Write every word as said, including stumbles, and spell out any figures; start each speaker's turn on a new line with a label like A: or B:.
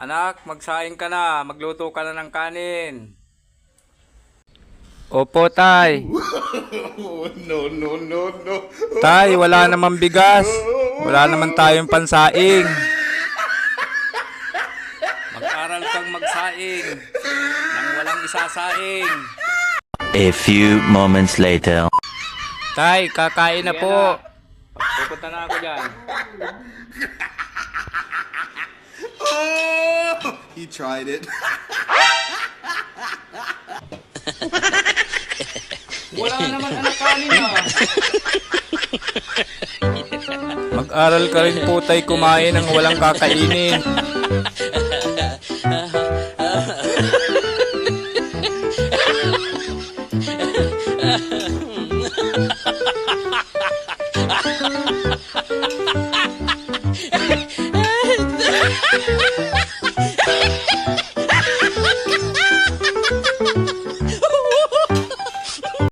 A: Anak, magsaing ka na. Magluto ka na ng kanin. Opo, tay.
B: No, no, no, no.
A: Tay, wala naman bigas. Wala naman tayong pansaing. Mag-aral kang magsaing nang walang isasaing.
C: A few moments later.
A: Tay, kakain na po. Pupunta na ako dyan.
B: Oh, he tried it.
A: Wala naman anak kanin ah. Mag-aral ka rin po tay kumain ng walang kakainin.